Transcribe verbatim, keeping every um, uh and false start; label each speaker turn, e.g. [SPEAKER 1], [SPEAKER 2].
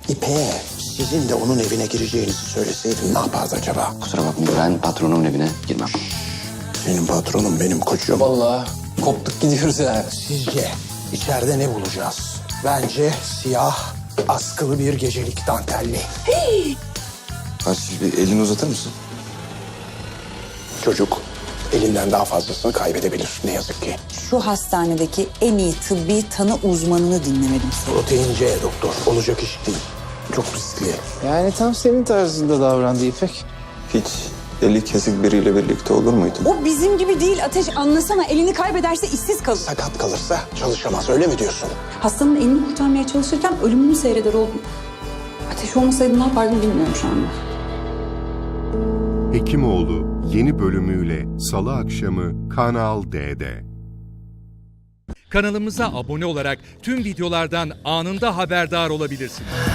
[SPEAKER 1] İpek'e sizin de onun evine gireceğinizi söyleseydim ne yapardı acaba?
[SPEAKER 2] Kusura bakmayın, ben patronumun evine girmem.
[SPEAKER 1] Senin patronun benim koçum.
[SPEAKER 3] Vallahi koptuk gidiyoruz yani.
[SPEAKER 1] Sizce içeride ne bulacağız? Bence siyah, askılı bir gecelik dantelli.
[SPEAKER 4] Aç bir elini uzatır mısın?
[SPEAKER 1] Çocuk elinden daha fazlasını kaybedebilir ne yazık ki.
[SPEAKER 5] Şu hastanedeki en iyi tıbbi tanı uzmanını dinlemedim seni.
[SPEAKER 1] Protein C doktor. Olacak iş değil. Çok riskli.
[SPEAKER 3] Yani tam senin tarzında davrandı İpek.
[SPEAKER 4] Hiç eli kesik biriyle birlikte olur muydun?
[SPEAKER 5] O bizim gibi değil Ateş, anlasana, elini kaybederse işsiz kalır.
[SPEAKER 1] Sakat kalırsa çalışamaz öyle mi diyorsun?
[SPEAKER 5] Hastanın elini kurtarmaya çalışırken ölümünü seyreder oldum. Ateş olmasaydı ne yapardım bilmiyorum şu anda.
[SPEAKER 6] Hekimoğlu yeni bölümüyle Salı akşamı Kanal D'de.
[SPEAKER 7] Kanalımıza abone olarak tüm videolardan anında haberdar olabilirsiniz.